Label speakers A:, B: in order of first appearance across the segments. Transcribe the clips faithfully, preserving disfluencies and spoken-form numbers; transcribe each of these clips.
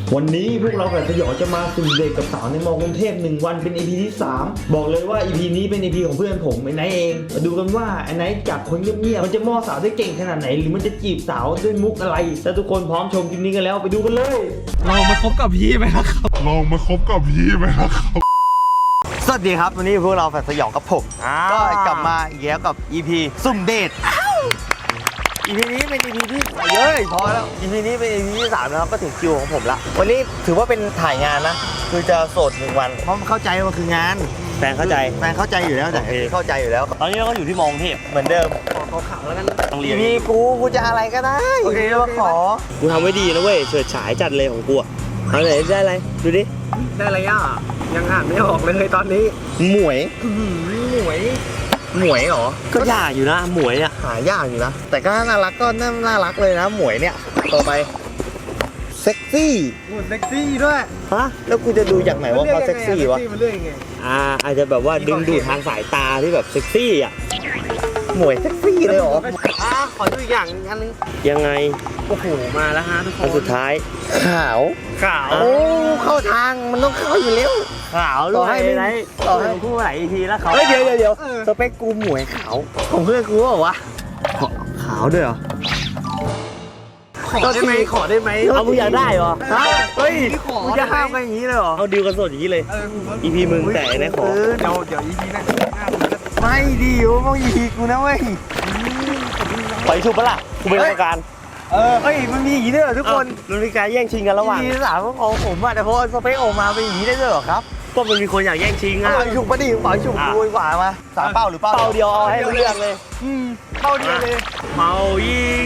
A: วันนี้พวกเรากับสยองจะมาสุ่มเดทกับสาวในมอกรุงเทพหนึ่งวันเป็น อี พี ที่สามบอกเลยว่า อี พี นี้เป็น อี พี ของเพื่อนผมไอ้ไนท์เองมาดูกันว่าไอ้ไนท์จากคนเงียบๆมันจะมอสาวได้เก่งขนาดไหนหรือมันจะจีบสาวด้วยมุกอะไรถ้าทุกคนพร้อมชมคลิปนี้กันแล้วไปดูกันเลย
B: ลองมาคบกับพี่ไหมครับ
C: ลองมาคบกับพี่ไหมครับ
D: สวัสดีครับวันนี้พวกเราแฟนสยองกับผมก็กลับมาอีกแล้วกับ อี พี สุ่มเดท อี พี นี้เป็น อี พี ที่เยอะพอแล้ว อี พี นี้เป็น อี พี ที่สามนะครับก็ถึงคิวของผมละวันนี้ถือว่าเป็นถ่ายงานนะคือจะโสดหนึ่งวันเพราะเข้าใจว่าคืองานแฟนเข้าใจแฟนเข้าใจอยู่แล้วแต่เข้าใจอยู่แล้วตอนนี้เราก็อยู่ที่มองเทพเหมือนเดิมขอข่าวแล้วกันโรงเรียนมีกูกูจะอะไรก็ได้โอเคว่าขอกูทำไว้ดีนะเว้ยเฉิดฉายจัดเลยของกูเอาไหนได้อะไรดูดิ
B: ได้อะไรอ่ะยังอ่านไม่ออกเลยตอนนี้
D: หมวย
B: หมวย
D: หมวยเหรอก็ยากอยู่นะหมวยอ่ะหายากอยู่นะแต่ก็น่ารักก็น่ารักเลยนะหมวยเนี่ยต่อไปเซ็กซี่
B: โอ้เซ็กซี่ด้วย
D: ฮะแล้วกูจะดูจากไหนว่าเขาเซ็กซี่วะ
B: มันเรื่องยังไง
D: อ่าอาจจะแบบว่าดึงดูดทางสายตาที่แบบเซ็กซี่อ่ะหมวยเซ็กซี่เลยเหรอ
B: อ่าขอดูอีกอย่างอันนึง
D: ยังไง
B: โอ้โหมาแล้วฮะทุกคน
D: อันสุดท้ายขาว
B: ขาว
D: โอ้เข้าทางมันต้องเข้าอยู่แล้วขาวต่อให้ไม่ได้ต่อให้พูดหลายทีแล้วเขาเดี๋ยวเดี๋ยวเดี๋ยวสเปคกูหมวยขาวของเพื่อนกูเหรอวะขาวด้วยเหรอ
B: ขอได้ไหมขอได้ไหม
D: เอามึงอยากได้เหรอฮะเฮ้ย
B: มึง
D: จะห้ามกันอย่างนี้เลยเหรอเอาดิวกันสดอย่างนี้เลยอีพีมึงแต่ไหนขอ
B: เดี๋ยวเดี๋ยวอีพีนั้น
D: ไม่ดีวะมึงอีพีกูนะเว้ยไปชุบปะล่ะกูเป็นกรรมการเออเฮ้ยมันมีอย่างนี้ด้วยเหรอทุกคนมันมีการแย่งชิงกันระหว่างทีสามของผมอะแต่พอสเปคออกมาเป็นอย่างนี้ได้ด้วยเหรอครับก็มันมีคนอยากแย่งชิงอะฉุกปะดิปล่อยฉุกกูดีกว่ามาสามเป้าหรือเป้าเป้าเดียวเอาให้เรื่องเลย
B: อืมเป้าเดียวเลย
D: เป้ายิง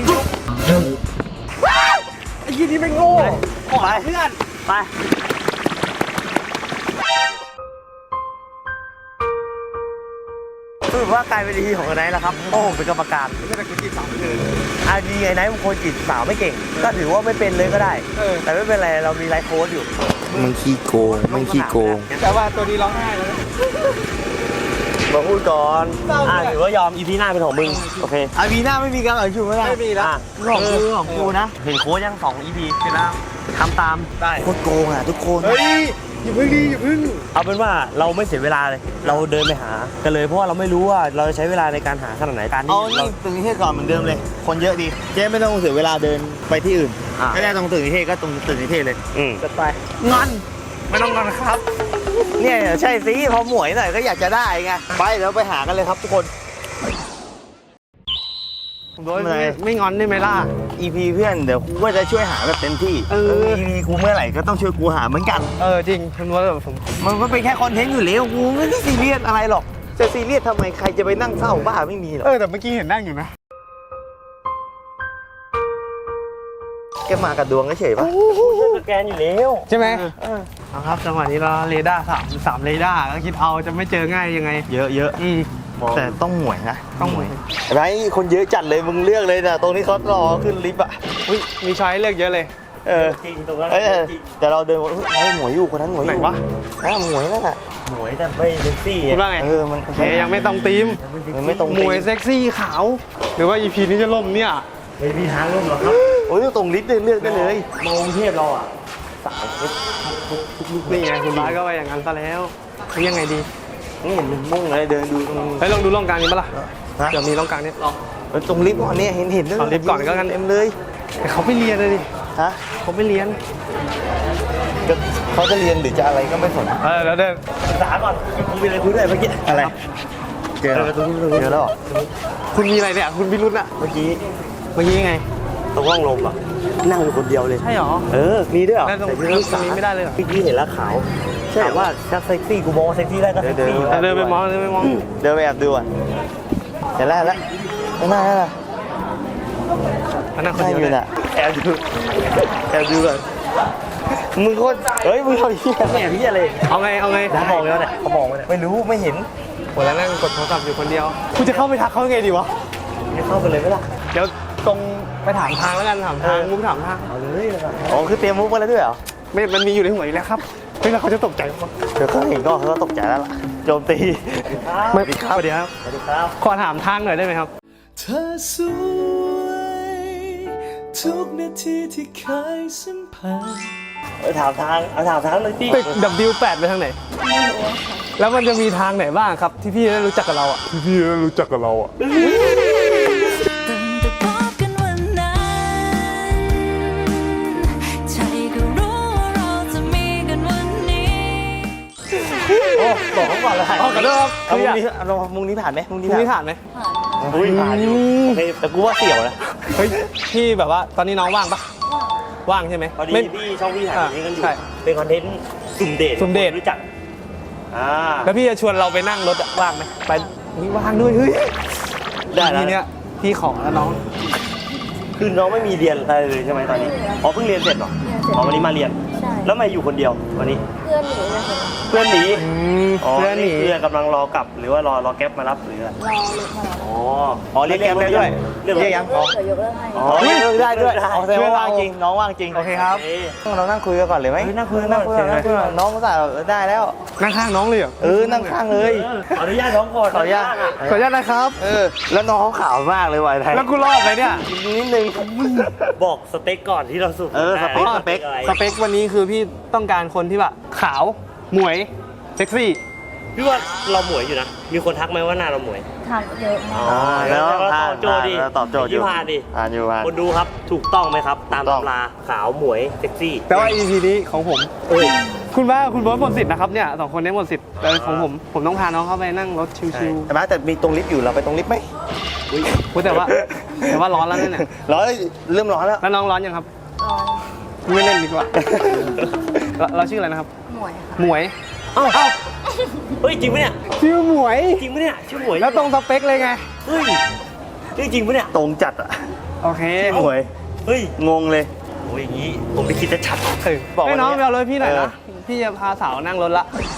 B: ไอ้ยี่นี่ไม่โง่ขอเพื่อน
D: ไปคือว่ากลายเป็นทีของไอ้ไนท์แล้วครับเพราะผมเป็นกรรมการ
B: ไม่ได้กูจีบสาวเลย
D: อาดีไอ้ไนท์บางคนจีบสาวไม่เก่งก็ถือว่าไม่เป็นเลยก็ได้แต่ไม่เป็นไรเรามีไลฟ์โค้ดอยู่มึงขี้โกงมึงขี้โกง
B: แต่ว่าตัวนี้ร้องไห้แล้ว
D: มาพูดก่อนอ่าถือว่ายอมอีพีหน้าเป็นของมึงโอเคอีพีหน้าไม่มีการเอ่ยชื่อไม่ได้
B: ไม่มีแล้ว
D: ของกูของกูนะเห็นโค้ดยังสองอีพีเสร็จแล้วทำตาม
B: ได้
D: โคตรโกงอ่ะทุกคน
B: เฮ้ยอย่าพึ่งดีอย่าพึ่ง
D: เอาเป็นว่าเราไม่เสียเวลาเลยเราเดินไปหากันเลยเพราะว่าเราไม่รู้ว่าเราจะใช้เวลาในการหาขนาดไหนการที่เราตึงนิเทศก่อนเหมือนเดิมเลยคนเยอะดีเจ๊ไม่ต้องเสียเวลาเดินไปที่อื่นไม่ได้ตรงตึกนิเทศก็ตรงตึกนิเทศเลยอืม
B: จะไป
D: งอน
B: ไม่ต้องงอนครับ
D: เนี่ยใช่สิพอหมวยหน่อยก็อยากจะได้ไงไปเดี๋ยวไปหากันเลยครับทุกคน
B: โดยไม่งอนได้ไหมล่ะ
D: อี พี เพื่อนเดี๋ยวกูก็จะช่วยหาแบบเต็มที่เออ อี พี กูเมื่อไหร่ก็ต้องช่วยกูหาเหมือนกัน
B: เออจริงคุณว่าแบบผม
D: มันก็เป็นแค่คอนเทนต์อยู่แล้วกูไม่ได้ซีเรียสอะไรหรอกจะซีเรียสทำไมใครจะไปนั่งเศร้าบ้าไม่มีหรอก
B: เออแต่เมื่อกี้เห็นนั่งอยู่นะ
D: แกมากับดวงเฉยปะสแกนอยู่แล้ว
B: ใช่ไหมเอาครับจังหวะนี้เราเรดาร์สามสามเรดาร์ก็คิดเอาจะไม่เจอง่ายยังไง
D: เยอะเยอะ
B: อืม
D: แต่ต้องหวยนะ
B: ต้องหวย
D: ไรคนเยอะจัดเลยมึงเลือกเลยนะตรงนี้เขารอขึ้นลิฟต์อ่ะ
B: อุ้ยมีช้อยเลือกเยอะเลย
D: เออจริงตรงนั้นแต่เราเดินเฮ้ยหมวยอยู่คนนั้นหมวยอยู่
B: ไหนวะ
D: อ่าหมวยนั่นแหละหมวยแต่ไม่เซ็กซี่
B: คุณว่าไง
D: เออมัน
B: เฮ้ยยังไม่ต้องตีม
D: มันไม่ตรง
B: หมวยเซ็กซี่ขาวหรือว่า อี พี นี้จะล่มเนี่ย
D: ไม่มีทางล่มหรอกครับโอ้ยตรงลิฟต์เลือกได้เลยมองเทพเราอ่ะสาว
B: นี่ไงคุณบ้าก็ไปอย่างนั้นซะแล้วยังไงดี
D: นี่เห็นมึงมุ่งเลยเดินดูตรง
B: เฮ้ยลองดูร่องกลางนี้ปะล่ะเดี๋ยวมีร่องกลางนี้ลอง
D: ตรงลิฟต์ก่อนเนี่ยเห็นเห็น
B: เอาลิฟต์ก่อนก็กัน
D: เต็มเลย
B: แต่เขาไม่เรียนเลยดิ
D: ฮะ
B: เขาไม่เรียน
D: เขาจะเรียนหรือจะอะไรก็ไม่สน
B: เออแล้วเดิน
D: ศึกษาก่อนคุณมีอะไรคุยด้วยเมื่อกี้อะไรเจอเจอแล้ว
B: คุณมีอะไรเนี่ยคุณพิรุธอะ
D: เมื่อกี้
B: เมื่อกี้ไง
D: ตรงห้องลมอ่ะนั่งอยู่คนเดียวเลย
B: ใช่หรอ
D: เออมีด้วยเหรอ
B: แต่ตรงนี้ไม่ได้เลย
D: เมื่อกี้เห็นแล้วขาวใช่ว่าถ้าเซ็กซี่กูมองเซ็กซี่ได้ก็เซ็กซี่
B: เดินไปมองเดินไปมอง
D: เดินไปแอบดูอ่ะเห็นแล้วแล้วข้างหน้าแล้วล่ะ
B: นั่งคนเดียว
D: น่ะแอบดูแอบดูก่อนมึงโคตรเฮ้ยมึงทำเหี้ยแม่พี่อะไร
B: เอาไงเอาไง
D: เขามองแล้วเนี่ยเขามองแล้วไม่รู้ไม่เห็น
B: โหแล้วนั่งกดโทรศัพท์อยู่คนเดียวคุณจะเข้าไปทักเขาไงดีวะ
D: ไม่เข้าไปเลยไหมล่ะ
B: เดี๋ยวตรงไปถามทางแล้วกันถามทางมุกถามทาง
D: เอาเลยอ๋อคือเตรียมมุกมาแล้วด้วยเหรอ
B: ไม่มันมีอยู่ในหัวอยู่แล้วครับไม่แล้วเขาจะตกใจมั้ย
D: เดี๋ยวเขาเห็นก็เขาตกใจแล้วล่ะโจมตี
B: ไม่ครับสวัสดีครับ
D: สวัสดีครับ
B: ขอถามทางหน่อยได้ไหมครับ
E: เธอสวยทุกนาทีที่เคยสัมผัส
D: เออถามทางเอาถามทางเลยพี่
B: ตึก ดับเบิลยู แปด ไปทางไหน
E: ไม่รู้อะค่ะ
B: แล้วมันจะมีทางไหนบ้างครับ ที่พี่ได้รู้จักกับเราอ่ะ
C: ที่พี่ได้รู้จักกับเราอ่ะ
E: ตั้งแต่พบกันวันนั้นใจก็รู้ว่าเราจะมีกันวันนี้
D: โอ้บอกเขาก่อนเลย
B: อ๋อขอโทษครับ
D: เอามุงนี้เอามุงนี้ผ่านไหมมุงนี้
B: คุณ
D: ผ่าน
B: นี่ผ่านไหม
E: ผ่าน
D: อุ้ยผ่านอยู่โอเคแต่กูว่าเสี่ยวนะ
B: เฮ้ย พี่แบบว่าตอนนี้น้องว่างปะว่างใช่ไหม
D: พอดี
B: ไม่
D: พี่ช่องพี่ถ่ายอย่างนี้กันอยู่
B: ใช่
D: เป็นคอนเทนต์สุ่มเดท
B: สุ่มเดท
D: รู้จักอ่า
B: แล้วพี่จะชวนเราไปนั่งรถอะว่างไหมไปนี่ว่างด้วยเฮ้ย
D: ได้แล้ว
B: ทีเนี้ยพี่ขอแล้วน้อง
D: คือน้องไม่มีเรียนอะไรเลยใช่ไหมตอนนี้อ๋อเพิ่งเรียนเสร็จเหรอ
E: เรียนเสร็จ
D: อ๋อวันนี้มาเรียน
E: ใช่
D: แล้วทำไมาอยู่คนเดียววันนี้
E: เพื่อนหนีเลยค่ะ
D: เพื่อนหนี
B: อืม
D: อ๋อ
B: เพื่อนหนี
D: เพื่อนกำลังรอกลับหรือว่ารอรอแก๊ปมารับหรืออะไร
E: รอรถมารับ
D: อ๋ออ๋อเรียกแก๊ปได้ด้วยเรียกยัง
E: เดี๋ยวยกเลิกให้
D: อ๋อเรียกได้ด้วยอ๋อแสดงว่าว่างจริงน้องว่างจริง
B: โอเคครับ
D: เรานั่งคุยกันก่อนเลยไหมนั่งคุยนั่งคุยนั่งคุยน้องก็สั่ได้แล้ว
B: นั่งข้างน้องเลยเหรอ
D: เออนั่งข้างเลยขออนุญาตน้องก่อนขออนุญาต
B: ขออนุญาตนะครับ
D: เออแล้วน้องเขาขาวมากเลยวัยไทย
B: แล้วกูรอดไหมเนี่ย
D: นิดนึงบอกสเต็กก่อนที่เราสุกเออสเต็กสเต็ก
B: สเปควันนี้คือพี่ต้องการคนที่แบบขาว หมวย เซ็กซี่
D: พี่ว่าเราหมวยอยู่นะมีคนทักไหมว่าหน้าเราหมวย
E: ทางเยอะมาก
D: อ๋อแล้วตอบโจทย์ดิตอบโจทย์อยู่ผ่านดิ
F: อ่านอยู่ผ่าน
D: คนดูครับถูกต้องไหมครับ ตาม
F: ถูกต้อง
D: ตำราขาวหมวยเซ็กซี่
B: แต่ว่า อี พี นี้ของผม
D: เอ้ย
B: คุณว่าคุณเบิร์ดหมดสิทธิ์นะครับเนี่ยสองคนนี้หมดสิทธิ์แต่ของผมผมต้องพาน้องเข้าไปนั่งรถชิว
F: ใช่ไหมแต่มีตรงลิฟต์อยู่เราไปตรงลิฟต์ไหม
B: ๆอุ๊ยแต่ว่าแต่ว่าร้อนแล้วเนี่ย
F: ร้อนเริ่มร้อนแล้ว
B: แล้วน้องร้อนยังครับ
E: ตอน
B: ไม่เล่นดีกว่า เราเราชื่ออะไรนะครับ
E: หมวยค่ะ
B: หมวย
D: เอ้าเอ้าเฮ้ยจริงปะเนี่ย
B: ชื่อหมวย
D: จริงปะเนี่ยชื่อหมวย
B: แล้วตรงสเปคเลยไง
D: เฮ้ยนี่จริงปะเนี่ย
F: ตรงจัดอ่ะ
B: โอเค
F: หมวย
D: เฮ้ย
F: งงเลย
D: โอ้ยอย่างนี้ผมไปคิดจะชัด
B: เออ
F: บอก
B: ให้
F: วันนี้
B: น้องไปเอารถพี่หน่อย
F: เออ
B: นะ พี่จะพาสาวนั่งรถละ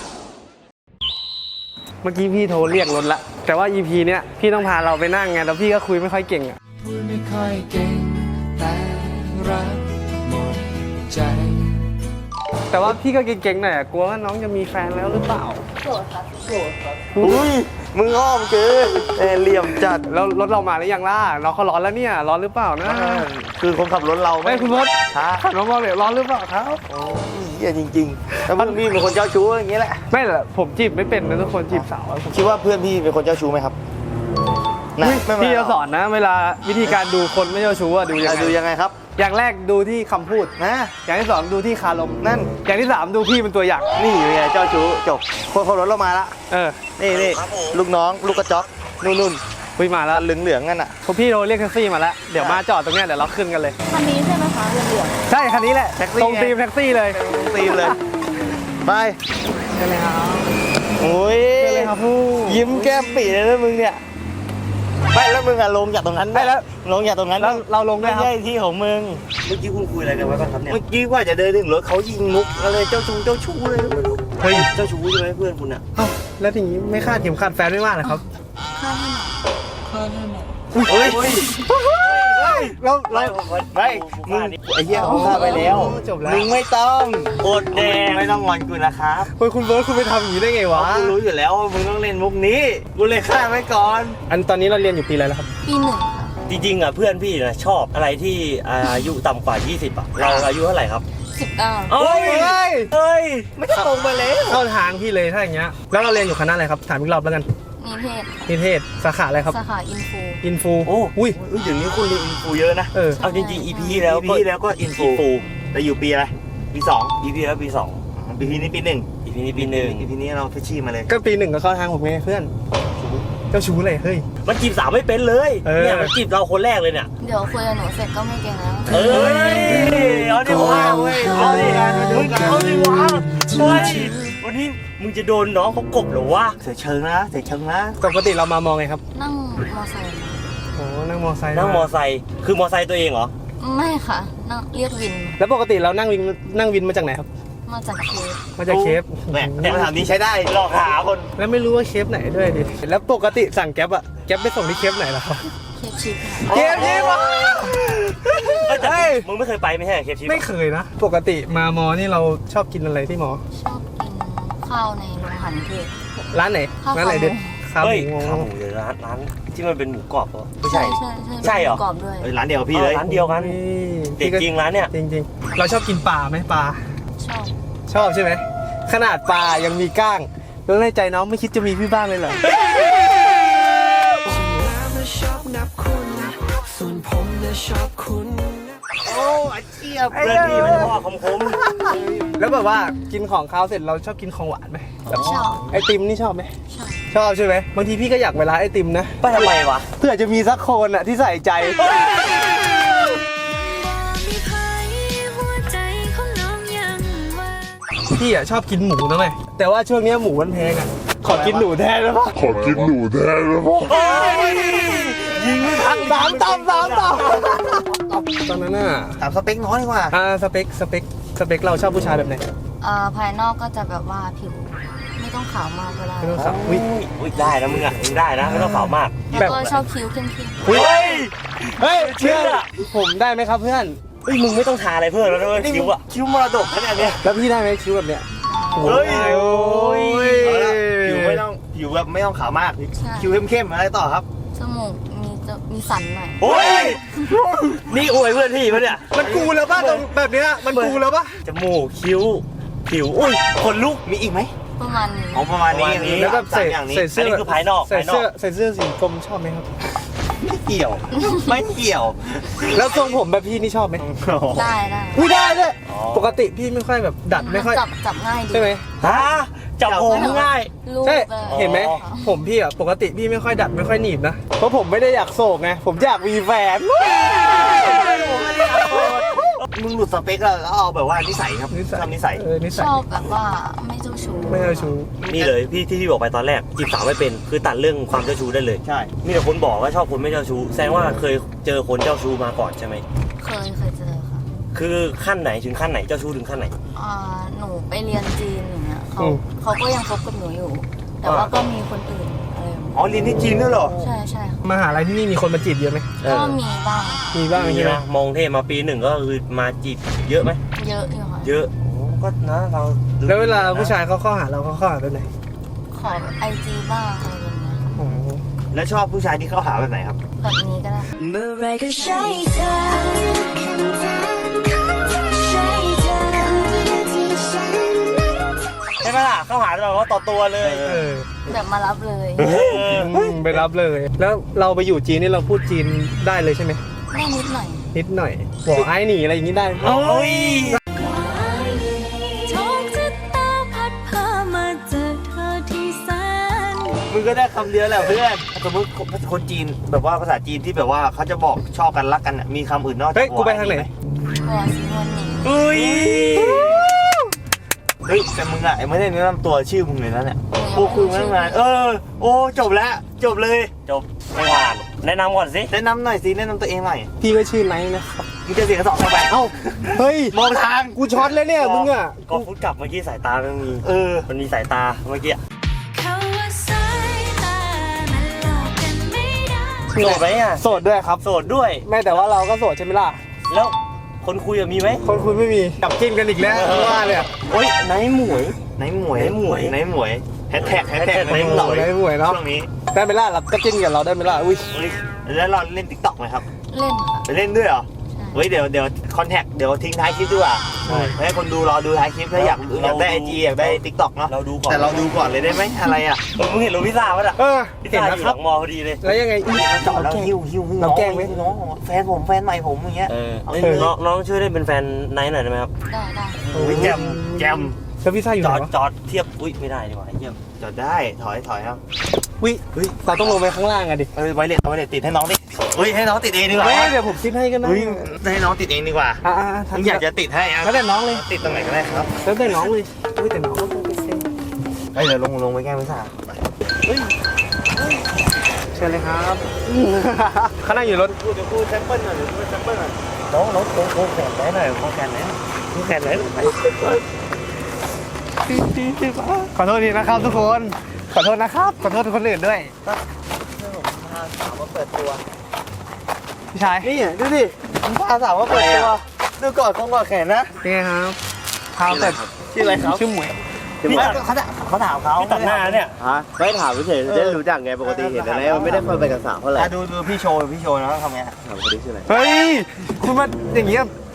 B: เมื่อกี้พี่โทรเรียกรถละ แต่ว่า อี พี เนี้ยพี่ต้องพาเราไปนั่งไง แล้วพี่ก็คุยไม่ค่อยเก่งอ่ะ
G: พูดไม่ค่อยเก่งแต่รักหมดใจ
B: แต่ว่าพี่ก็เก่งๆหน่อยอะกลัวว่าน้องจะมีแฟนแล้วหรือเปล่า
E: โสดค่ะโสดค่ะ
F: อุ้ยมึงอ้อมเกินเอ้ยเหลี่ยมจัด
B: แล้วรถเรามาหรือยังล่ะน้องเขาร้อนแล้วเนี่ย ร้อนหรือเปล่านะ
F: คือคนขับรถเรา
B: เฮ้ยคุณรถ
F: ช้า
B: ขับรถมาเลยร้อนหรือเปล่าครับ
F: เหี้ยจริงๆแล้วเพื่อนพี่เป็นคนเจ้าชู้อย่างงี้แหละ
B: ไม่หรอกผมจีบไม่เป็นนะทุกคนจีบสาวอะผม
F: คิดว่าเพื่อนพี่เป็นคนเจ้าชู้ไหมครับนะไม่เป็นไร
B: พี่จะสอนนะ เวลาวิธีการดูคนไม่เจ้าชู้อะดูยัง
F: อ่ะ
B: ไง
F: ดูยังไงครับ
B: อย่างแรกดูที่คำพูด
F: นะ
B: อย่างที่สองดูที่คารม
F: นั่น
B: อย่างที่สามดูพี่เป็นตัวอย่าง
F: นี่ไงเจ้าชู้จบคนขับรถเรามาละ
B: เออ
F: นี่นี่ลูกน้องลูกกระจอกนู่นนู่น
B: คุยมาแล้ว
F: เหลืองเหลืองๆนั่นอ่ะ
B: พวกพี่โทรเรียกแท็กซี่มาแล้ว เดี๋ยวมาจอดตรงเนี้ยเดี๋ยวเราขึ้นกันเลย
E: คันนี้ใช่ไหมคะเหลือง
B: ใช่คันนี้แหละ
F: แท็กซี่
B: ตรงตีมแท็กซี่เลย
F: ตีมเลยไป
B: ใช่เลยครับ
F: โอ้ย
B: ใช่เลยครับผู้
F: ยิ้มแก้มปีเลยนะมึงเนี่ยไม่แล้วมึงอะลงจากตรงนั้น
B: ไม่แล้ว
F: ลงจากตรงนั้น
B: แล้วเราลงด้ว
F: ไม่
B: ยครับ
F: ใช่ที่ของมึง
D: เมื่อกี้คุณคุยอะไรกันไว้บ้างครับเนี่ย
F: เมื่อกี้ว่าจะเดินถึงรถเขายิงมุกอะไรเจ้าชู้เจ้าชู้เลยไม่รู้
B: เฮ้ย
D: เจ้าชู้ใช่ไหมเพื่อนคุณอะ
B: เอ้าแล้วทีนี้ไม่คาดเข็มขัดแฟนไม่มากเหรอครับ
E: ๆข้าวให้หน่อยข้าวให้หน่อย
F: เฮ้ย
B: เราเรา
F: ไม่มึงไอ้เหี้ยเขาฆ่าไปแล้ว
B: จบแล้ว
F: มึงไม่ต้อง
D: โอดแดง
F: ไม่ต้องงอนกูนะครับ
B: เฮ้ยคุณเบิร์ดคุณไปทำอย่างนี้ได้ไง
F: เพ
B: วะ
F: ราะกูรู้อยู่แล้วว่ามึงต้องเล่นมุกนี้กูเลยฆ่าไว้ก่อน
B: อันตอนนี้เราเรียนอยู่ปีอะไรแล้วครับ
E: ปีหนึ่งค่ะ
D: จริงๆอะเพื่อนพี่นะชอบอะไรที่อายุต่ำกว่ายี่สิบอะเราอายุเท่าไหร่ครับ
E: สิบเก้า
D: เอ้ย
B: เฮ้ย
D: เฮ้ย
F: ไม่ตรงไปแล้ว
B: เข้าทางพี่เลยถ้าอย่างเงี้ย แล้วเราเรียนอยู่คณะอะไรครับ ถามอีกรอบแล้วกัน
E: นิเทศค่ะ
B: นิเทศ สาขาอะไรครับ
E: สาขาอินฟู
B: อินฟู
D: โอ้
B: อุ้ย
F: เฮ้ยเดี๋ยวนี้คุณเรียนอินฟูเยอะนะ
B: เออ
D: เอาจริงๆ อี พี แล้ว
F: ปีที่แล้วก็อินฟูแต่อยู่ปีอะไรปีสอง
D: อี พี แล้วปีสอง
F: ปีนี้ปีหนึ่ง
D: อี พี นี้ปีหนึ่ง
F: อีพีนี้เราเฟชชี่มาเลย
B: ก็ปีหนึ่งก็เข้าทางผมไงเพื่อน เจ้าชู้เลยเฮ้ย
D: มันจีบสาวไม่เป็นเลย
B: เออ
D: เนี่ยมันจีบเราคนแรกเลยเนี่ย
E: เดี๋ยวคุยกับหนูเสร็จก็ไม่เก่งแล้ว
D: เอ้ยเอาดิวะเอาดิมึงเอาดิวะเฮ้ยวันนี้มึงจะโดนน้องเขากบเหรอวะ
F: เสียเชิงนะเสียเชิงนะ
B: ปกติเรามามองไงครับ
E: นั่งมอไซค์มา
B: โอ้นั่งมอไซค์
D: นั่งมอไซค์คือมอไซค์ตัวเองเหรอ
E: ไม่ค่ะ นั่งเรียกวิน
B: แล้วปกติเรานั่งวินนั่งวินมาจากไหนครับ
E: มาจากเคส
B: มาจากเคฟ
F: แหมแต่คำถามนี้ใช้ได้
D: หลอกหาคน
B: แล้วไม่รู้ว่าเคฟไหนด้วยดิ แล้วปกติสั่งแก๊ปอะแก๊ปไปส่งที่เคฟไหนล่ะครับ
E: เคสชิปค่ะ
B: เคฟนี่วะ
D: เอ้ยแต่มึงไม่เคยไปไม่ใช่เหรอเคฟชิป
B: ไม่เคยนะ ปกติมามอนี่เราชอบกินอะไรที่มอ
E: ชอบกินข้าวในโรงอาหารเทศ
B: ร้านไหน
E: ข้าว
B: ร้านไหน
E: ขาหมู
B: เด็ดข้าว
D: เฮ้ย
B: หมู
D: ข้าวหมูเดี๋ยวร้านร้านที่มันเป็นหมูกรอบเหรอไม่
E: ใช่
D: ใช่
E: ใช่
D: ใช่เหรอ
E: กรอบด้วย
F: เอ้ยร้านเดียวกับพี่เลย
D: ร้านเดียวกัน
B: นี่
D: เด็กจริงร้านเนี่ย
B: จริงจริงๆ เราชอบกินปลาไหมปลา
E: ชอบ
B: ชอบใช่ไหมขนาดปลายังมีก้างแล้วในใจน้องไม่คิดจะมีพี่บ้างเลยเหรอ
D: โอ้อาเจี๊ยบเพื่อนพี่มันพ่อคมคม
B: แล้วแบบว่ากินของคาวเสร็จเราชอบกินของหวานไหมแบบ
E: ชอบ
B: ไอติมนี่ชอบไหม
E: ชอบ
B: ชอบใช่ไหมบางทีพี่ก็อยากไปร้านไอติมนะ
D: ไปทำไมวะ
B: เพื่อจะมีสักคนอะที่ใส่ใจ
E: มีใครหัวใจของน้องยังว่าง
B: พี่อะชอบกินหมูนะไหมแต่ว่าช่วงนี้หมูมันแพงอะขอกินหนูแทนได้ปะ
C: ขอกินหนูแทนได้ปะ
D: ยิงไม่พัก
B: สามตำสามตำตอนนั้นน่ะ
D: ถามสเปคน้อยดีกว่า
B: อ่าสเปคสเปคสเปคเราชอบผู้ชายแบบไหน
E: เอ่อภายนอกก็จะแบบว่าผิว ไม่ต้องขาวมากก็ได้
B: ไม่ต้องขาว
D: อุ้ยอุ้ยได้นะมึงอ่ะมึงได้นะไม่ต้องขาวมาก
E: แล้วก็ชอบคิ้วเข้ม
D: เฮ้ย
B: เฮ้ยเชื่อผมได้ไหมครับเพื่อน
D: เฮ้ยมึงไม่ต้องทาอะไรเพิ่มแล้วด้วยคิ้วอ่ะคิ้วมรดกขนาดเนี้ย
B: แล้วพี่ได้ไหมคิ้วแบบเนี้ย
D: เฮ้ย
B: โอ้ย
D: เอาละผิวไม่ต้องผิวแบบไม่ต้องขาวมากคิ้วเข้มๆอะไรต่อครับ
E: ๆจมูกมีจะมีสันหน่อย
D: โอ้ยนี่อวยเพื่อนพี่ปะเนี่ย
B: มันกูแล้วป่ะตรงแบบเนี้ยมันกูแล้วป่ะ
D: จมูกคิ้วผิวอุ้ยขนลุกมีอีกไหม
E: ประมาณนี้
D: อ๋อประมาณนี้
B: แล้วแบบ
D: สา
B: ใส่
D: มอย่างนี้
B: ใส่เสื้
D: อัน
B: อ
D: นี้คือภายนอก
B: ใส่
D: ภายนอ
B: เสื้อก ใส่เสื้อสีกรมชอบไหมครับ
D: ไม่เกี่ยว ไม่เกี่ยว
B: แล้วทรงผมแบบพี่นี่ชอบไหม
E: ได้ได้
B: ไม่ได้เลย
D: อ๋อ
B: ปกติพี่ไม่ค่อยแบบดัดไม่ค่อย
E: จับจับง่ายดี
B: ใช่ไหม
D: ฮะจับผมง่าย
E: ลูก
B: ใช่
E: เลย
B: เห็นไหม
D: อ๋อ
B: ผมพี่อ่ะปกติพี่ไม่ค่อยดัดไม่ค่อยหนีบนะเพราะผมไม่ได้อยากโศกไงผมอยากมีแฟน
D: มึงหลุดสเปคแล้วแล้วเอาแบบว่านิสัยครับ
B: นิสัย
D: ทำนิสัย
B: เออนิสัย
E: ชอบแบบว่าไม่เจ้าชู้
B: ไม่เอาชู
H: นี่เลยพี่ที่พี่บอกไปตอนแรกจีบสาวไม่เป็นคือตัดเรื่องความเจ้าชู้ได้เลย
D: ใช่
H: มีแต่คนบอกว่าชอบคนไม่เจ้าชู้แสดงว่าเคยเจอคนเจ้าชู้มาก่อนใช่ไหม
E: เคยเคยเจอค่ะ
H: คือขั้นไหนถึงขั้นไหนเจ้าชู้ถึงขั้นไหน
E: อ่าหนูไปเรียนจีนอย่างเงี้ยเขา
B: อืม
E: เขาก็ยังคบกับหนูอยู่ แต่ว่าก็มีคนอื่นอะไรแบบนี้
D: อ๋อเรียนที่จีนด้วยเหรอ
E: ใช่ใช่ค่ะ
B: มหาลัยที่นี่มีคนมาจีบเยอะไหม
H: เอ
E: ก็
H: อ
E: มีบ้าง
B: มีบ้าง
H: มี
B: ใช่ไหม
H: นะมองเทพมาปีหนึ่งก็คือมาจีบเยอะไหม
E: เยอะอยู่ค่ะ
H: เยอะโอ้ก็นะเราดู
B: แล้วเวลาผู้ชายเขาเข้าหาเราเขาเข้าหาแบบไหน
E: ขอไอจีบ้างอะไรแบบเนี้ยค่ะ
B: โอ้โห
D: แล้วชอบผู้ชายที่เข้าหาแบบไหนครับ
E: แบบนี้ก็ได้เมื่อไรก็ใช่เธอใช่เธอ
D: ใช่ไหมล่ะ เข้าหาแบบว่าต่อตัวเลย
B: เออ
E: แบบมารับเลย
B: อืมไปรับเลย แล้วเราไปอยู่จีนนี่เราพูดจีนได้เลยใช่ไหม
E: ได้นิดหน่อย
B: นิดหน่อยบอกไอ้หนีอะไรอย่างนี้ได้ไหม
D: โอ้ย
E: โชคชะตาพัดพามาเจอเธอที่แสน
D: มึงก็ได้คำเดียวแหละเพื่อน สมมติคนจีนแบบว่าภาษาจีนที่แบบว่าเขาจะบอกชอบกันรักกันน่ะมีคำอื่นนอกจาก
B: เฮ้ยกูไปทางไหน
E: หัวสีนวลหนิง
D: อุ้ย เฮ้ยแต่มึงอะไม่ได้แนะนำตัวชื่อมึงเลยนะเนี่ยโอ้คือตั้งนานเออ โอ้จบแล้ว จบเลย
H: จบไม่ผ่านแนะนำก่อนสิ
D: แนะนำหน่อยสิแนะนำตัวเองหน่อย
B: พี่ก็ชื่อไนท์นะครับ
D: มึงจะเสียงกระสอบเข้าไป
B: เอ้าเฮ้ย
D: มองทาง
B: กูช็อตแล้วเนี่ยมึงอ่ะ
H: ก็ฟุตกลับเมื่อกี้สายตามันมี
D: เออ
H: มันมีสายตาเมื่อกี้
E: เขาว่าสายตามันหลอกกันไม่ได้
H: โสดไหมอ่ะ
B: โสดด้วยครับ
H: โสดด้วย
B: แม่แต่ว่าเราก็โสดใช่ไหมล่ะ
H: แล้วคนคุยอะมีไหม
B: คนคุยไม่มีจับจิ้นกันอีกแล้วว่าเลยอะ
H: โอ๊ยไหนหมวย
D: ไหนหมวย
H: ไหนหมวย
D: ไหนหมวยแฮชแท็กแฮชแท็ก
H: hashtag
D: ไหนหมวย
B: ได้หมวยเนาะ
D: ช่วงนี้
B: ได้ไหมล่ะเราก็จิ้นกับเราได้ไหมล่ะอุ้ย
D: เฮ้ยแล้วเราเล่นติ๊กต็อกไหมครับ
E: เล่นค่ะ
D: ไปเล่นด้วยเหรอ
E: ใช่
D: เฮ้ยเดี๋ยวเดี๋ยวคอนแทคเดี๋ยวทิ้งท้ายคลิปดีกว่าให้คนดูรอดูท้ายคลิปถ้าอยากอยากได้ไอจีอยากได้ติ๊กต็อกเนาะ
H: เราดูก่อน
D: แต่เราดูก่อนเลยได้ไหมอะไรอ่ะ
H: เออมึงเห็นโรบิซ่าปะล่ะ
B: เออ
H: พิซ
B: เห็น
H: ซ่า
B: นะ
H: อยู่
B: ค
H: ห
B: รั
H: ลั
B: บ
H: งมอพอดีเลย
B: แล้วยังไงอี
D: จอดแล้วหิ้วหิ้วหิ้ว
B: เราแกล้งไหม
D: น้องแฟนผมแฟนใหม่ผมอย่างเงี้ย
H: เออ
D: เอา
H: เอ้ย
D: เลย
H: น้องน้องช่วยเล่นเป็นแฟนไนท์หน่อยได้ไหมครับ
E: ได้ได้
D: โอ้ยแจมแจม
B: แล้วพี่ซ่าอยู่
H: จ
B: ไหน
H: อด
B: วะ
H: จอดเทียบ อุ้ยไม่ได้ดีกว่าไอ้เยี่ยม
D: จอดได้ถอยถอยครับ
B: วิเราต้องลงไปข้างล่างอะดิ
D: เออไวเลสไวเลสติดให้น้องดิเฮ้ยให้น้องติดเองดีกว่า
B: เฮ้ยเดี๋ยวผมซิดให้กันนะ
D: เฮ้ยให้น้องติดเองดีกว่า
B: อ่าอ่า
D: มึงอยากจะติดให้อ่ะ
B: แล้วแต่น้องเลย
D: ติดตรงไหนก็ได้ครับ
B: แล้วแต่น้องเลยอุ้ยแต่น้องก็ต้องไปเซ็น
D: เฮ้ยเดี๋ยวลงลงไปแก้ไม่ทราบ
B: เชิญเลยครับเขานั่งอยู่รถ
D: กูเดี๋ยวกูแซมเปิลหน่อยเดี๋ยวกูแซมเปิลหน่อยน้องน้องโค้งโค้งแขนได้หน่อยโค้งแขนไหนโค้งแขนไหน
B: ขอโทษทีนะครับทุกคน ขอโทษนะครับ ขอโทษคนอื่นด้วย
D: พาสาวมาเปิดตัว
B: พี่ชาย
D: นี่ดูดิพาสาวมาเปิดตัวดูกอดคงกอดแขนนะ
B: เป็นไงครับพาแต่
D: ชื่ออะไรครับ
B: ชื่อหมวย
D: พี่เขาถามเขาถามเขา
H: พี่ตัดหน้าเนี่ย
F: ฮะไม่ถามเฉยๆได้รู้จักไงปกติเห็นอะไรมันไม่ได้ค่อยไปกับสาวเท่าไหร่
D: ดูดูพี่โชว์พี่โชว์นะทำไง
F: ถามคนนี้ชื่ออะไร
B: เฮ้ย คุณมาอย่างเงี้ย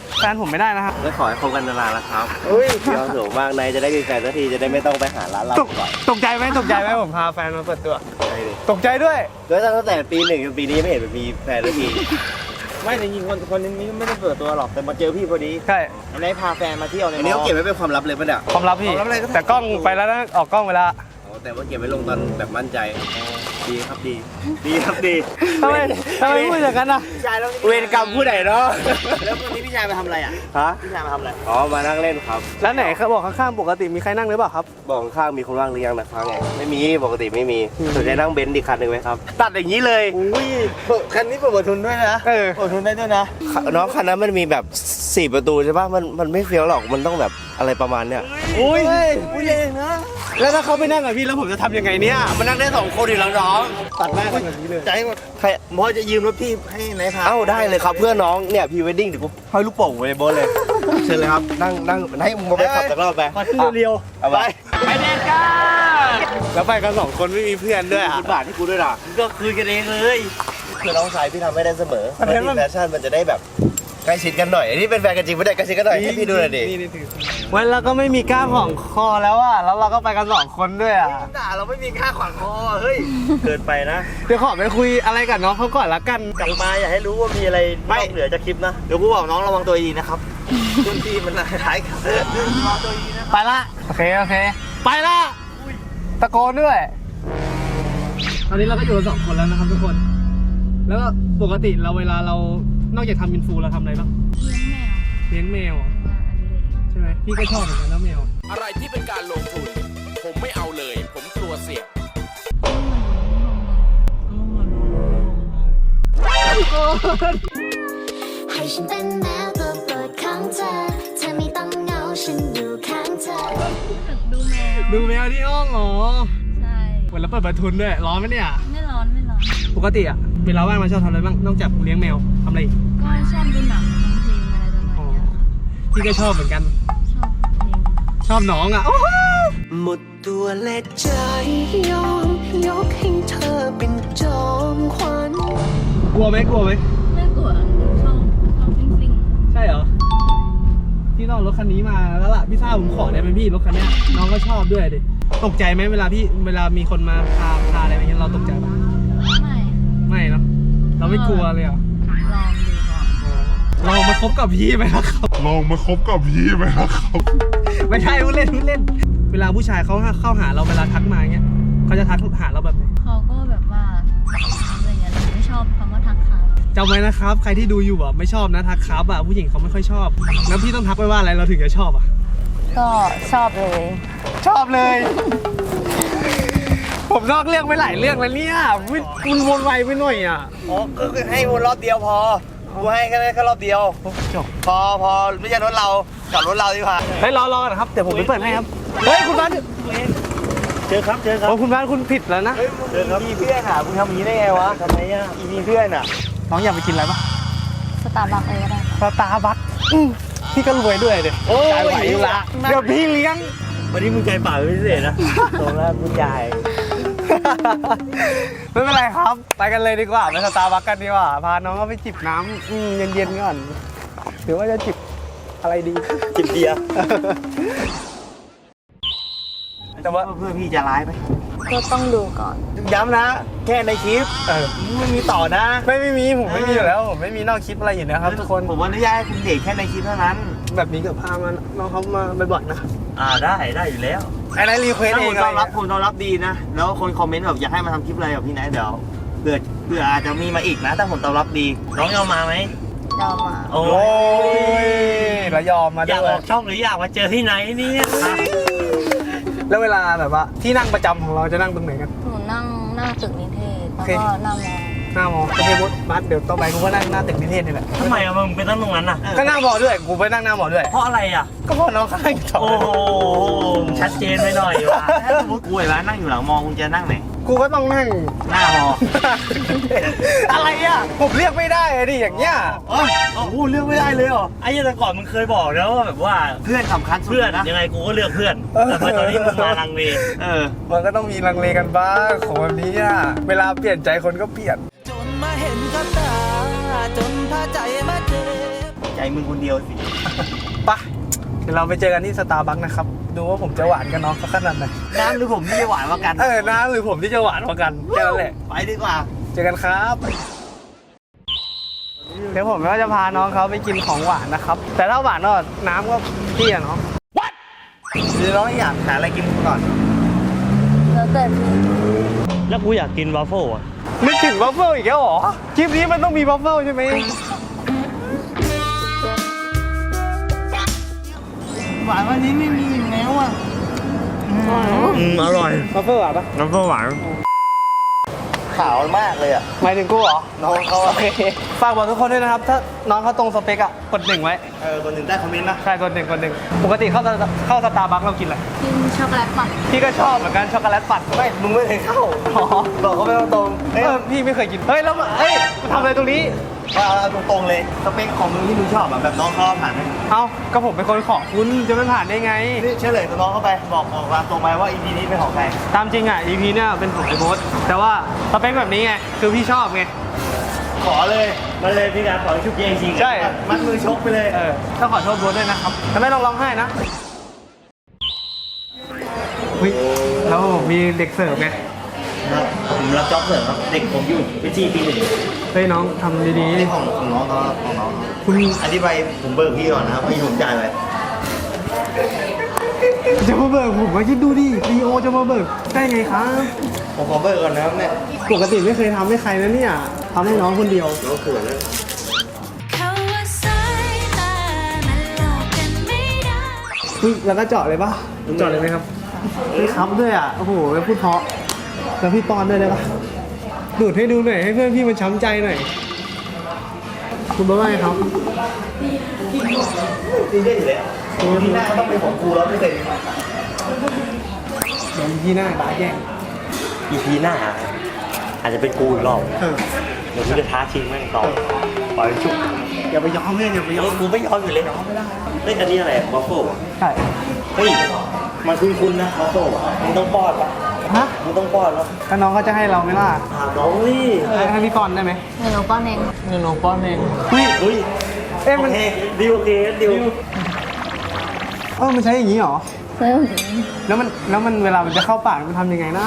B: แฟนผมไม่ได้นะครับ
D: ก็ขอให้คบกันนานๆนะครับ
B: เฮ้ย
D: เดี๋ยวสูงมากนายจะได้มีแฟนสักทีจะได้ไม่ต้องไปหาร้านเหล้า
B: ตก
D: ก่อน
B: ตกใจไหมตกใจไหมผมพาแฟนมาเปิดตัว
D: ใช่ดิ
B: ตกใจด้วย
D: แล้วตั้งแต่ปีหนึ่งจนปีนี้ไม่เห็นมีแฟนสักที
F: ไม่จริงๆคนคนนี้ไม่ได้เปิดตัวหรอกแต่มาเจอพี่พอดี
B: ใช่
F: อันนี้พาแฟนมาเที่ยวใน
D: อันนี้เขาเก็บไว้เป็นความลับเลยป่ะเนี่ย
B: ความลับพี่ แต่กล้องไปแล้วนะออกกล้องไปแล้ว
D: อ๋อแต่ว่าเก็บไว้ลงตอนแบบมั่นใจดีครับดี ดีครับดี
B: ทำไมทำไมพูดอย่างนั้นอ่ะ
F: พี่ชายแล้ว
D: เวรกรรมผู้ใดเนาะ
F: แล้ววันนี้พี่ชายมาทำอะไรอ่ะ
D: ฮะ
F: พี่ชายมาทำอะไร
D: อ๋อมานั่งเล่นครับ
B: แล้วไหนเขาบอกข้างๆปกติมีใครนั่งหรือเปล่าครับ
D: บอกข้างๆมีคนว่างหรือยังนะครับไงไม่มีปกติไม่มีสนใจนั่งเบนซ์อีกคันหนึ่งไหมครับตัดอย่างนี้เลย
F: อุ้ยคันนี้เปิดทุนด้วยนะ
B: เออ
F: เปิดทุนได้ด้วยนะ
D: น้องคันนั้นมันมีแบบสี่ประตูใช่ป่ะมันมันไม่เฟี้ยวหรอกมันต้องแบบอะไรประมาณเนี้ย
B: อุ้ย
F: อุ้ยเองนะ
B: แล้วถ้าเขาไปนั่งกับพี่แล้วผมจะทำยังไงเนี่ย
D: มันนั่งได้สองคนอีกแล้วน้อง
B: ตัดหน้ากันแบบนี้เลย
F: ใจหมดใครหมอจะยืมรถพี่ให้ไหนพา
D: เอ้าได้เลยครับเพื่อนน้องเนี่ยพรีเวดดิ้งเดี๋ยวกูห้อยลูกโป่งไว้ในโบนเลย เชิญเลยครับนั่งนั่งให้มึงมาไปขับสักรอบไป
F: ขอขึ้นเร็ว
D: เอาไป
B: ไปเด็ดกันแล้วไปกันสองคนไม่มีเพื่อนด้วยอ่ะ
D: สิบบาทที่กูด้วยล่ะก็คืนกันเองเลยคือน้องชายพี่ทำไม่ได้เสมอ
B: มันเป็น
D: ที่แฟชั่นมันจะได้แบบใกล้ชิดกันหน่อยอันนี้เป็นแฟนกันจริงไม่ได้ใกล้ชิดกันหน่อยให้พี่ดูหน่อยดิ
B: นี่นี่ถือวันเราก็ไม่มีกล้ามของคอแล้วอ่ะแล้วเราก็ไปกันสองคนด้วยอ่ะ
F: ด่าเราไม่มีค่าขวางคอเฮ้ย
D: เกินไปนะ
B: เดี๋ยวขอไปคุยอะไรกับน้องเขาก่อนละกัน
F: กลับมาอย่าให้รู้ว่ามีอะไรนอกเหนือจากคลิปนะเดี๋ยวกูบอกน้องระวังตัวดีนะครับรุ่นพี่มันท้ายกันระวังตัวดีนะ
B: ไปละโอเคโอเค ไปละตะโกนด้วย ตอนนี้เราก็อยู่กันสองคนแล้วนะครับทุกคน แล้วก็ปกติเราเวลาเรานอกจากทำอินฟูเราทำอะไรบ้างเลี้ยงแมวเหรอใช่ไหมพี่ก็ชอบเหมือนกันแล้วแมว
I: อะไรที่เป็นการลงทุน ผมไม่เอาเลย ผมกลัวเสี่ยง
E: ให้ฉันเป็นแมวตัวโปรดของเธอ เธอไม่ต้องเหงาฉันอยู่ข้างเธอ
J: ดูแมว
B: ดูแมวที่ห้องเหรอ
J: ใช่
B: เหมือนเราเปิดประทุนด้วยร้อนไหมเนี่ย
J: ไม่ร้อนไม่ร้อน
B: ปกติอะเวลาว่างเราชอบทำอะไรบ้างนอกจากเลี้ยงแมวทำอะไรอีก
J: ก็ชอบดูหนังฟังเพลงอะไรประมาณ
B: อ๋อ
J: เนี้ย
B: พี่ก็ชอบเหมือนกัน
J: ชอบเพลง
B: ชอบน้องอะโอ้โห
G: หมดตัวและใจยอมยกให้เธอเป็นจอมขวัญ
B: กลัวไหมกลัวไหม
J: ไม่กลัวชอบชอบซิ่งซิ่ง
B: ใช่เหรอพี่น้องรถคันนี้มาแล้วล่ะพี่ทราบผมขอได้ไหมพี่รถคันเนี้ยน้องก็ชอบด้วยดิตกใจไหมเวลาพี่เวลามีคนมาพาพาอะไรอย่างเงี้ยเราตกใจปะ
J: ไม่
B: ไม่เนาะเราไม่กลัวเลยเหรอ
J: ลองดูก่อน
B: ลองมาคบกับพี่ไหมล่ะครับ
C: ลองมาคบกับพี่ไหมล่ะครับ
B: ไม่ใช่พูดเล่นพูดเล่น เวลาผู้ชายเขาเข้าหาเราเวลาทักมาเงี้ยเขาจะทักหาเราแบบไหน
J: เขาก็แบบว่าอะไรอย่างเงี้ยแต่ไม่ชอบคำว่าทักครับ
B: จำไว้นะครับใครที่ดูอยู่อ่ะไม่ชอบนะทักครับอ่ะผู้หญิงเขาไม่ค่อยชอบแล้วพี่ต้องทักไปว่าอะไรเราถึงจะชอบอ่ะ
J: ก็ชอบเลย
B: ชอบเลย ผมนอกเรื่องไปหลายเรื่องแล้วเนี่ยวิคุณวนไวไปหน่อยอ่ะ
F: อ๋อก็คือให้วนรอบเดียวพอกูให้แค่แค่รอบเดียว
B: จบ
F: พอพอไม่ใช่รถเรากลับรถเราดีกว่า
B: เฮ้ยรอรอกันครับเดี๋ยวผมไปเปิดให้ครับเฮ้ยคุณบ้าน
F: เจอครับเจอครับ
B: โอ้คุณบ้านคุณผิดแล้วนะ
F: เจอครับมีเพื่อนอ่ะมึงทำอย่างนี้ได้ไงวะทำไมอ่ะอีมีเพื่อนอ่ะ
B: น้องอยากไปกินอะไรปะ
J: สตาร์บัคเลยก็ได้
B: สตาร์บัคพี่ก็รวยด้วยเดี๋ยว
F: โอ้ย
B: จ่ายไหวอยู่ละเดี๋ยวพี่เลี้ยง
F: วันนี้มึงใจป่าเป็นพิเศษนะตรงแล้วมึงใหญ่
B: ไม่เป็นไรครับ ไปกันเลยดีกว่าไปสตาร์บัคกันดีกว่าพาน้องก็ไปจิบน้ำอืมเย็นๆก่อนหรือว่าจะจิบอะไรดี
F: จิบเบียร์
B: แต่ว่า
F: เพื่อนพี่จะร้ายไหม
J: ก็ต้องดูก่อน
F: ย้ำนะ แค่ในคลิป
B: เออ
F: ไม่มีต่อนะ
B: ไม่ไม่มีผมไม่มีอยู่แล้วผมไม่มีนอกคลิปอะไรอยู่นะครับทุกคน
F: ผมอนุญาตให้คุณเด็กแค่ในคลิปเท่านั้น
B: แบบนี้กับพามาน้องเขามาบ่อยๆนะครับ
F: อ่าได้ได้อยู่แล้ว
B: ไอ้นายรีเควส
F: ถ้า
B: เอ
F: ผ
B: ง
F: ม
B: อะไร
F: ต้อนรับคุณต้อนรับดีนะ แล้วคนคอมเมนต์แบบอยากให้มาทำคลิปอะไรกับพี่นายเดี๋ยวเผื่อเผื่ออาจจะมีมาอีกนะถ้าผมตอบรับดี น้องยอมมาไหม
J: ยอมมา
F: โอ้
B: โอ้
F: ย
B: ยแล้วยอมมา
F: อยาก
B: ด้ว
F: อย อกช่องหรืออยากมาเจอที่ไหนเนี่ย
B: แล้วเวลาแบบว่าที่นั่งประจำของเราจะนั่งตรงไหนกัน
J: หนูนั่งหน้าตึกนิเทศแล้ว
B: โอเค
J: ก็หน้ามอ
B: หน้ามอโอเคบดบัสเดี๋ยวต่อไปกูก็นั่งหน้าตึกนิเทศนี่แหละ
F: ทำไมอะมึงไปตั้งตรงนั้นน่ะ
B: ก็หน้ามอด้วยกูไปนั่งหน้ามอด้วย
F: เพราะอะไรอ่ะ
B: ก็เพราะน้องเขานั่งอยู่ต่อ
F: โอ้โหชัดเจนไปหน่อยว่ะถ้าสมมติกูเห็นว่านั่งอยู่หลังมองคุณจะนั่งไหน
B: กูก็ต้องนั่ง
F: หน้ามอ
B: อะไรอ่ะผมเรียกไม่ได้อะดิอย่างเงี้ย
F: โอ้โหเลือกไม่ได้เลยเหรอไอ้ยังแต่ก่อนมึงเคยบอกนะว่าแบบว่าเพื่อนสำคัญเพื่อนยังไงกูก็เลือกเพื่อนแต่พอตอนนี้มึงมาลังเลเออ
B: มันก็ต้องมีลังเลกันบ้างของแบบนี้อ่ะเวลาเปลี่ยนใจคนก็เปลี่ยน
G: จนมาเห็นกับตา จนพาใจมาเจ็บ
F: จ
D: ใจมึงคนเดียวสิ
B: ไปเดี๋ยวเราไปเจอกันที่สตาร์บัคนะครับ ดูว่าผมจะหวานกับน้องเขาขนาดไหน
D: น้ำหรือผมที่จะหวานกว่ากัน
B: เออน้าหรือผมที่จะหวานกว่ากันแค่นั้นแหละ
D: ไปดีกว่า
B: เจอกันครับ เดี๋ยวผมก็จะพาน้องเขาไปกินของหวานนะครับ แต่ถ้าหวานก็น้ำก็พี่อะเนาะ
D: หรือน้องอยากหาอะไรกินก่อน
J: แล้วแต่พี่
H: แล้วกูอยากกินวาฟเฟิลอ่ะ
B: นึกถึงวัฟเฟิลอีกแล้วเหรอ คลิปนี้มันต้องมีวัฟเฟิลใช่ไหม
D: หวานวันนี้ไม่มีอีกแล้วอ่ะ
H: อืม อร่อย
B: วัฟเฟิลหวานปะ
H: วาฟเฟิลหวาน
D: ขาวมากเลยอ่ะ
B: หมายถึงกูเหรอ
D: น้องเขา
B: โอ
D: อะ
B: เคฝากบอกทุกคนด้วยนะครับ ถ้าน้องเขาตรงสเปกอะกดหนึ่งไว้
D: เออคนหนึ่งได้คอมเมนต์นะ
B: ใช่กดหนึ่งกดหนึ่งปกติเข้าสตาเข้าสตาร์บัคเรากินอะไร
J: กินช็อกโกแลตปั่น
B: พี่ก็ชอบเหมือนกันช็อกโกแลตปั่น
D: ไม่ มึงไม่เคยเข้า
B: อ๋อ
D: บอกเขาไปตรงๆ
B: เอ
D: เอ้ย
B: อพี่ไม่เคยกิน เฮ้ยแล้วมาเฮ้ยมาทำอะไรตรงนี้
D: เอาเอาตรงๆเลย สเปคของมึงที่มึงชอบอะแบบน้องเขาผ่านไหม
B: เอ้าก็ผมเป็นคนขอคุณจะไม่ผ่านได้ไง
D: นี่เฉลยตัวน้องเข้าไป บอกบอกตามตรงไปว่า อี พี นี้เป็นของใคร
B: ตามจริงอ่ะ อี พี เนี่ยเป็นของไอ้โบ๊ทแต่ว่าสเปคแบบนี้ไง คือพี่ชอบไง
D: ขอเลย
H: มันเลยพี่การขอชุบเองจริง
B: ใช่
D: มัดมือชกไปเลย
B: เออต้องขอโทษโบ๊ทด้วยนะครับแต่ไม่ต้องร้องไห้นะเฮ้ยแล้วมีเด็กเสิร์ฟไง
D: ครับผมรับจ็อบเสริมครับ เด็กผมอยู่วิจีปีหนึ่ง
B: เฮ้ยน้องทำดี
D: นี่ของของน้องเขาครับของน้องเขา
B: ๆ คุณ
D: อธิบายผมเบิกพี่ก่อนนะครับพี่ผมจ่ายไป
B: จะมาเบิกผมมาคิดดูดิลีโอจะมาเบิกได้ไงครับ
D: ผมขอเบิกก่อนนะครับเนี่ย
B: ปกติไม่เคยทำให้ใครนะเนี่ยทำให้น้องคนเดียว
D: น้องเขินเลย
E: เขาว่าสายตามันหลอกกันไม่ได้
B: เฮ้ยแล้วก็เจาะเลยปะเจาะเลยไหมครับพี่ครับด้วยอ่ะ โอ้โหพูดเพราะ แล้วพี่ปอนด้วยได้ปะดูดให้ดูหน่อย ให้เพื่อนพี่มันช้ำใจหน่อย คุณบอกว่าไงครับ
D: จริงได้อยู่แล้วที่หน้าต้องเป็นของกูแล้วไม่เสร็จ
B: เดี๋ยวพี่หน้าบาแย่ง
H: อีพีหน้า อาจจะเป็นกูอีกรอบ
B: เออ
H: เดี๋ยวกูจะท้าชิงแม่งต่อปล่อยชุบ
B: อย่าไปยอมเพื่อนอย่าไปยอม
H: กูไม่ยอมอยู่เลยเฮ้ยอันนี้อะไรวาฟเฟิลอ่ะ
B: ใช่
H: เฮ้ย มันคุ้นๆนะวาฟเฟิลอ่ะมึงต้องป้อนปะ
B: ฮะ
H: มึงต้องป้อนแล้ว
B: ถ้าน้องเขาจะให้เราไหมล่ะ
H: ถามน้องนี่
B: ให้พี่ปอนได้ไหม
J: เงินหนูป้อนเอง
B: เงินน้องป้อนเองเฮ้ย
H: อุ้ย
B: เอ๊ะ
H: โอ
B: มัน
H: เคดิวโอเคดิว
B: เออมันใช้อย่างนี้เหรอ
J: เพิ่ม
B: แล้วมันแล้วมันเวลามันจะเข้าปากมันทำยังไงนะ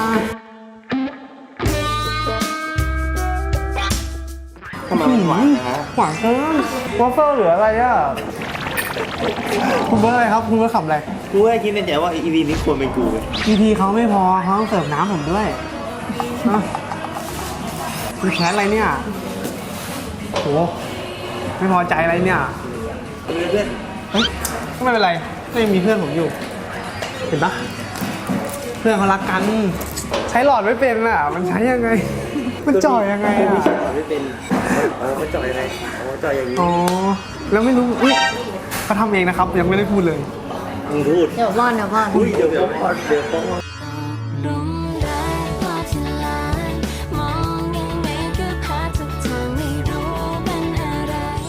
B: ทำไมมันหวานนะหวานเกินวอฟเฟิลหรืออะไรอ่ะ คุณเบอร์อะไรครับ คุณเบอร์ขับอะไร
D: กูให้คิดในใจว่า อี พี นี้ควรเป็นกูเว้ย
B: อี พี เขาไม่พอเขาต้องเสิร์ฟน้ำผมด้วยอ่ะคุณแค้นอะไรเนี่ยโหไม่พอใจอะไรเนี่ย
D: เพื่อน
B: เฮ้ยไม่เป็นไรก็ยังมีเพื่อนผมอยู่ เห็นปะเพื่อนเขารักกัน ใช้หลอดไม่เป็นอ่ะ มันใช้ยังไง มันจ่อยยังไงอ่ะ
H: ไม่เป็นเออมันจ่อยยังไงอ๋อจ่อยอย่างนี้
B: อ๋อ แล้วไม่รู้อุ้ยเขาทำเองนะครับ ยังไม่ได้พูดเลย
H: มึงพูด
J: เดี๋ยวป้อนเดี๋ยวป้อน
H: อุ้ยเดี๋ยวเดี๋ยวป้อนเดี๋ยวป้อน
E: ลงได้พอที่ลานมองยังไงก็พาทุกทางไม่รู้เป็นอะไร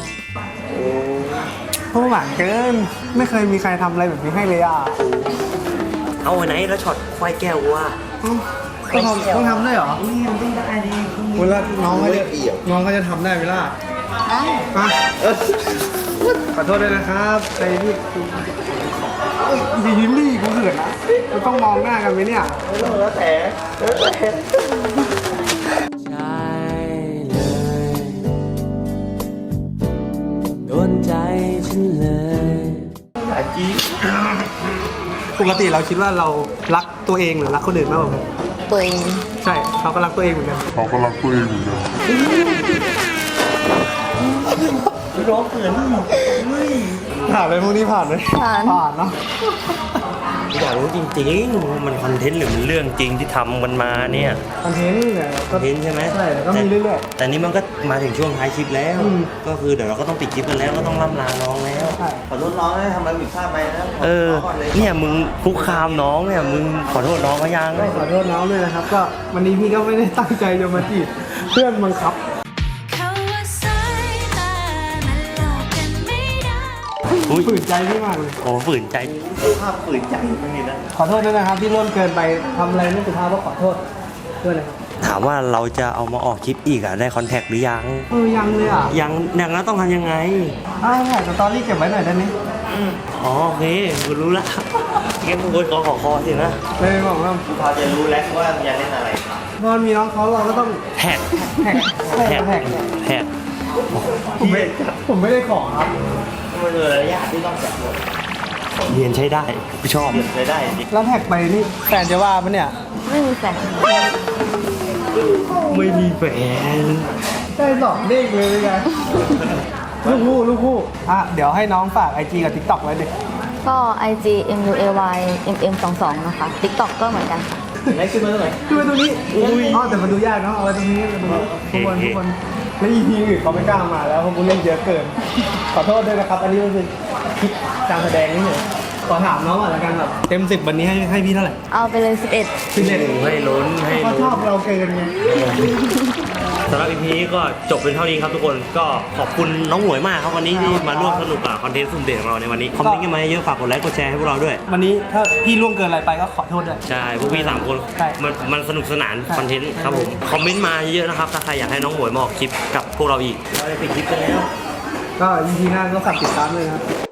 B: เพราะหวานเกิน ไม่เคยมีใครทำอะไรแบบนี้ให้เลยอ่ะ
H: เอาไว้ไหนแล้วช็อตควายแก้วว่า
B: ต้องทำต้องทำด้วยเหรอเวลาน้องเขาจะน้องเขาจะทำได้ไหมล่ะ
J: ได้
B: อ่ะขอโทษด้วยนะครับไอ้ที่เอ้ยดียิ้มดิกูเขินนะเราต้องมองหน้ากันไหมเนี่ย
D: แล้วแต่แล้วแต่
G: ใช่เลย โดนใจฉันเลย
D: สายจี๊ด
B: ปกติเราคิดว่าเรารักตัวเองหรือรักคนอื่นมากกว่ากัน
J: ตัวเอง
B: ใช่เราก็รักตัวเองเหมือนกัน
C: เขาก็รักตัวเองเหมือนกัน
D: ร้องเขิน
B: ผ่านไปพวกนี้ผ่านไหม
J: ผ่าน
B: ผ่านเนาะ
H: อยากรู้จริงๆมันคอนเทนต์หรือมันเรื่องจริงที่ทำมันมาเนี่ย
B: คอนเทนต์เนี่ย
H: คอนเทนต์ใช่ไหม
B: ใช่แล้วก็มีเรื่อย
H: ๆแต่นี่มันก็มาถึงช่วงท้ายคลิปแล้ว
B: อืม
H: ก็คือเดี๋ยวเราก็ต้องปิดคลิปกันแล้วก็ต้องล่ำลาน้องแล้ว
B: ๆใช่
D: ขอโทษน้องนะทำอะไรผิดพลาดไปนะ
H: เออ
D: ขโทษก่อนเลย
H: เนี่ยมึงคุกคามน้องเนี่ยมึงขอโทษน้องเขายัง
B: ก็ขอโทษน้องด้วยนะครับ ก็วันนี้พี่ก็ไม่ได้ตั้งใจจะมาจีบเพื่อนบังคับ
E: เขาว่าสายตามันหลอกกันไม่ได้
H: อุ้ย
B: ฝืนใจพี่มากเลย
H: โอ้ฝืนใจ
D: ภาพฝืนใจมันนี่นะ
B: ขอโทษด้วยนะครับที่ร่วมเกินไปทำอะไรไม่สุภาพก็ขอโทษด้วยนะครับ
H: ถามว่าเราจะเอามาออกคลิปอีกอะได้คอนแทคหรือยัง
B: เออยังเลยอ่ะ
H: ยังอย่างนั้นต้องทำยังไง
B: อ้าวถ่ายสตอรี่เก็บไว้หน่อยได้ไหม
H: อ๋อโอเคกูรู้ละแกมึงโวยคอขอคอสินะ
B: เลยบอกว่า
D: พอจะรู้แล้วว่าจะเล่นอะไร
B: พอมีน้องเขาเราก็ต้อง
H: แท็ก
B: แท็ก
H: แท็ก
B: แท็ก
H: แท็ก
B: ผมไม่ผมไม่ได้ขอครับ
D: มันเลยระยะที่ต้องจับหมด
H: เรียนใช้ได้กูชอบ
D: เลยได้จริง
B: แล้วแท็กไปนี่แฟนจะว่าปะเนี่ย
J: ไม่มีแฟน
H: ไม่มีแฟน
B: ได้สองเด้งเลยเป็นไงลูกคู่ลูกคู่อ่ะเดี๋ยวให้น้องฝาก ไอ จี กับ TikTok ไว้ดิ
J: ก็ ไอ จี เอ็ม ยู เอ วาย เอ็ม เอ็ม สองสอง นะคะ TikTok ก็เหมือนกันค่ะ
A: ไหนขึ้นมาตรงไหน
B: คือไว้ตรงนี้อ๋อแต่มันดูยากเนาะเอาไว้ตรงนี้ตรงนี้ทุกคนทุกคนแล้ว อี พี อื่นเขาไม่กล้ามาแล้วเพราะกูเล่นเยอะเกิน ขอโทษด้วยนะครับ อันนี้มันคือคลิปการแสดงนี่เหรอขอถามน้องก่อนละกันแบบเต็มสิบวันนี้ให้ให้พี่เท่าไหร่
J: เอาไปเลย สิบเอ็ด
B: สิบเอ็ด
H: ให้ลุ้นให้
B: เขาช
H: ลุ้
B: อน บเราเกินไง
H: สำหรับ อี พี นี้ก็จบเป็นเท่านี้ครับทุกคนก็ขอบคุณน้องหมวยมากครับวันนี้ที่มาร่วมสนุกกับคอนเทนต์สุ่มเด่นของเราในวันนี้คอมเมนต์กันมาเยอะฝากกดไลค์กดแชร์ให้พวกเราด้วย
B: วันนี้ถ้าพี่ล่วงเกินอะไรไปก็ขอโทษด้วย
H: ใช่พวกพี่สามคน
B: ใช่
H: มันมันสนุกสนานคอนเทนต์ครับผมคอมเมนต์มาเยอะนะครับถ้าใครอยากให้น้องหมวยมาออกคลิปกับพวกเราอีกเราจะปิดคลิปกันแล้ว
B: ก็ อี พี หน้าก็ฝากติดตามเลยนะครับ